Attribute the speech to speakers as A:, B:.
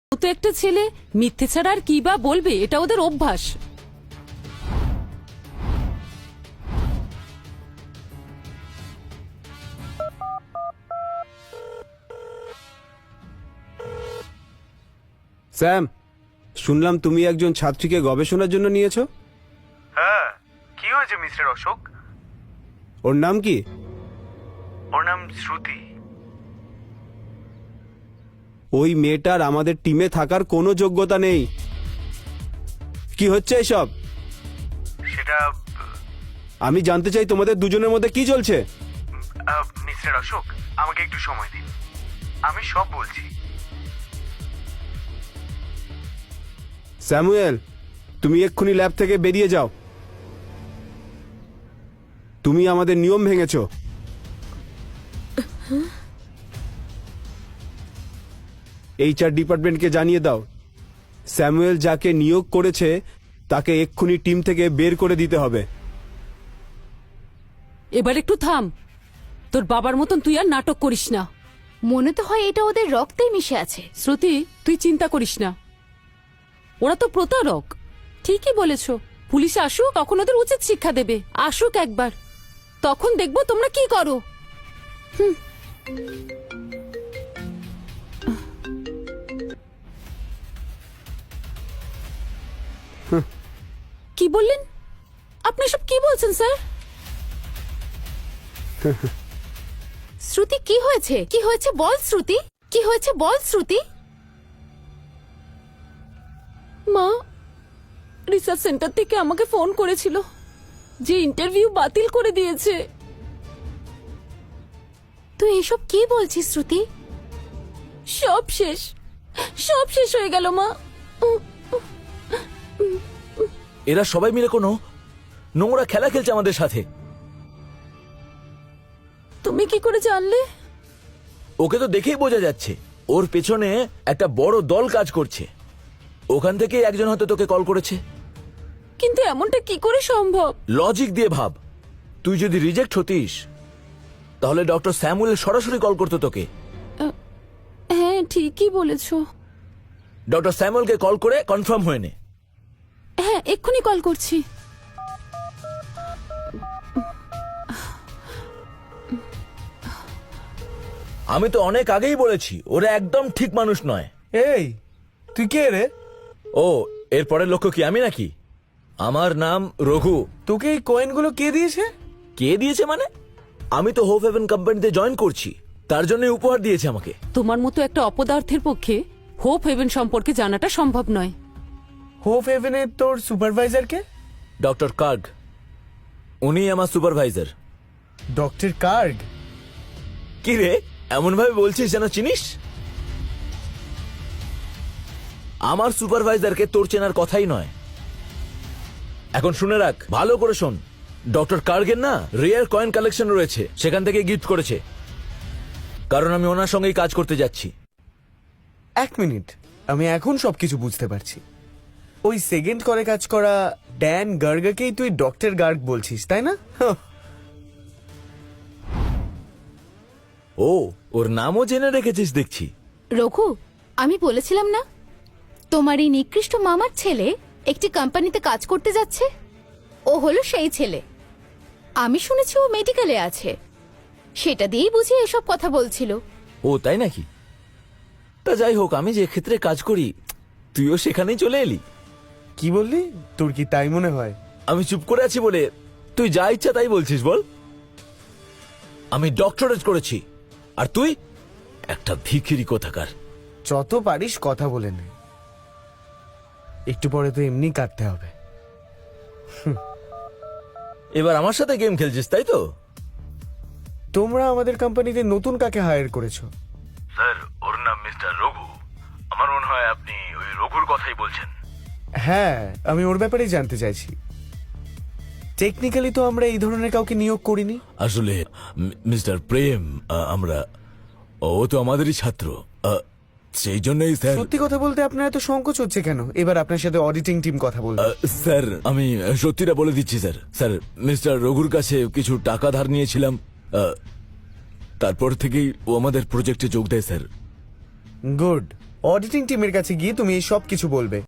A: ও তো একটা ছেলে, মিথ্যে ছাড়া আর কি বা বলবে, এটা ওদের অভ্যাস।
B: স্যাম, শুনলাম তুমি একজন ছাত্রীকে গবেষণার জন্য নিয়েছো।
C: হ্যাঁ, কি হয়েছে মিস্টার অশোক?
B: ওর নাম কি?
C: ওর নাম শ্রুতি।
B: ওই মেয়েটার আমাদের টিমে থাকার কোনো যোগ্যতা নেই। কি হচ্ছে এসব?
C: সেটা
B: আমি জানতে চাই তোমাদের দুজনের মধ্যে কি চলছে।
C: মিস্টার অশোক, আমাকে একটু সময় দিন, আমি সব বলছি।
B: স্যামুয়েল, তুমি এক্ষুনি ল্যাব থেকে বেরিয়ে যাও। তুমি আমাদের নিয়ম ভেঙেছো। এইচআর ডিপার্টমেন্টকে জানিয়ে দাও, স্যামুয়েল যাকে নিয়োগ করেছে তাকে এক্ষুনি টিম থেকে বের করে দিতে হবে।
A: এবার একটু থাম, তোর বাবার মতন তুই আর নাটক করিস না।
D: মনে তো হয় এটা ওদের রক্তেই মিশে আছে।
A: শ্রুতি, তুই চিন্তা করিস না, ওরা তো প্রতারক। ঠিকই বলেছ, পুলিশ আসুক, তখন ওদের উচিত শিক্ষা দেবে। আসুক একবার, তখন দেখবো তোমরা কি করো। কি বললেন আপনি? সব কি বলছেন স্যার?
D: শ্রুতি, কি হয়েছে? কি হয়েছে বল শ্রুতি, কি হয়েছে বল শ্রুতি।
A: মা রিসার্চ সেন্টার থেকে আমাকে ফোন করেছিল যে ইন্টারভিউ বাতিল করে দিয়েছে।
D: তুই এসব কি বলছিস শ্রুতি?
A: সব শেষ, সব শেষ হয়ে গেল মা।
E: এরা সবাই মিলে কোনো নোংরা খেলা খেলছে আমাদের সাথে।
A: তুমি কি করে জানলে?
E: ওকে তো দেখেই বোঝা যাচ্ছে, ওর পেছনে একটা বড় দল কাজ করছে। ওখান থেকে একজন হয়তো তোকে কল করেছে।
A: কিন্তু এমনটা কি করে সম্ভব?
E: লজিক দিয়ে ভাব, তুই যদি রিজেক্ট হতিস তাহলে ডক্টর স্যামুয়েল সরাসরি কল করতো তোকে।
A: হ্যাঁ, ঠিকই বলেছো।
E: ডক্টর স্যামুয়েলকে কল করে কনফার্ম হয়ে নে।
A: হ্যাঁ, এক্ষুনি কল করছি।
E: আমি তো অনেক আগেই বলেছি ওরা একদম ঠিক মানুষ নয়।
C: এই, তুই কে রে?
E: ও, এরপরের লক্ষ্য কি আমি নাকি? আমার নাম রঘু।
C: তোকে এই কয়েনগুলো কে দিয়েছে?
E: কে দিয়েছে মানে? আমি তো হোপ হেভেন কোম্পানিতে জয়েন করছি, তার জন্য উপহার দিয়েছে আমাকে।
A: তোমার মতো একটা অপদার্থের পক্ষে হোপ হেভেন সম্পর্কে জানাটা সম্ভব নয়।
C: হোপ হেভেনে তোর সুপারভাইজার কে?
E: ডক্টর কার্গ, উনি আমার সুপারভাইজার।
C: Doctor cargo?
E: কি রে, এমন ভাবে বলছিস যেন চিনিস? আমার সুপারভাইজারকে তোর চেনার কথাই নয়। এখন শুনে রাখ, ভালো করে শোন। ডক্টর কার্গের না রেয়ার কয়েন কালেকশন রয়েছে, সেখান থেকে গিফট করেছে, কারণ আমি ওনার সঙ্গেই কাজ করতে যাচ্ছি।
C: এক মিনিট, আমি এখন সবকিছু বুঝতে পারছি। ওই সেকেন্ড করে কাজ করা ড্যান গার্গকেই তুই ডক্টর গার্গ বলছিস, তাই না?
E: ও, ওর নামও জেনে রেখেছিস দেখছি।
D: রঘু, আমি বলেছিলাম না তোমার এই নিকৃষ্ট মামার ছেলে একটি কোম্পানিতে কাজ করতে যাচ্ছে? ও হলো সেই ছেলে। আমি শুনেছি ও মেডিকেলে আছে, সেটা দিয়েই বুঝি এসব কথা বলছিল।
E: ও তাই নাকি? তা যাই হোক, আমি যে ক্ষেত্রে কাজ করি তুইও সেখানেই চলে এলি।
C: কি বললি? তোর কি তাই মনে হয়?
E: আমি চুপ করে আছি বলে তুই যা ইচ্ছা তাই বলছিস বল। আমি ডক্টরেট করেছি, আর তুই একটা ভিখিরি কোথাকার।
C: যত পারিস কথা বলে নে, একটু পরে তো এমনি কাটতে হবে।
E: এবার আমার সাথে গেম খেলছিস তাই তো?
C: তোমরা আমাদের কোম্পানিতে নতুন কাকে হায়ার করেছো?
F: স্যার, ওর নাম মিস্টার রঘু। আমার মনে হয় আপনি ওই রঘুর কথাই বলছেন।
C: হ্যাঁ, আমি ওর ব্যাপারেই জানতে চাইছি। টেকনিক্যালি তো আমরা এই ধরনের কাউকে নিয়োগ করিনি।
E: আসলে মিস্টার প্রেম, ও তো আমাদেরই ছাত্র, সেই জন্যই স্যার।
C: সত্যি কথা বলতে আপনার এত সংকোচ হচ্ছে কেন? এবার আপনার সাথে অডিটিং টিম কথা বলবে।
E: স্যার, আমি সত্যিটা বলে দিচ্ছি স্যার। স্যার, মিস্টার রঘুর কাছে কিছু টাকা ধার নিয়েছিলাম, তারপর থেকেই ও আমাদের প্রজেক্টে যোগ দেয় স্যার।
C: গুড। অডিটিং টিমের কাছে গিয়ে তুমি এই সব কিছু বলবে।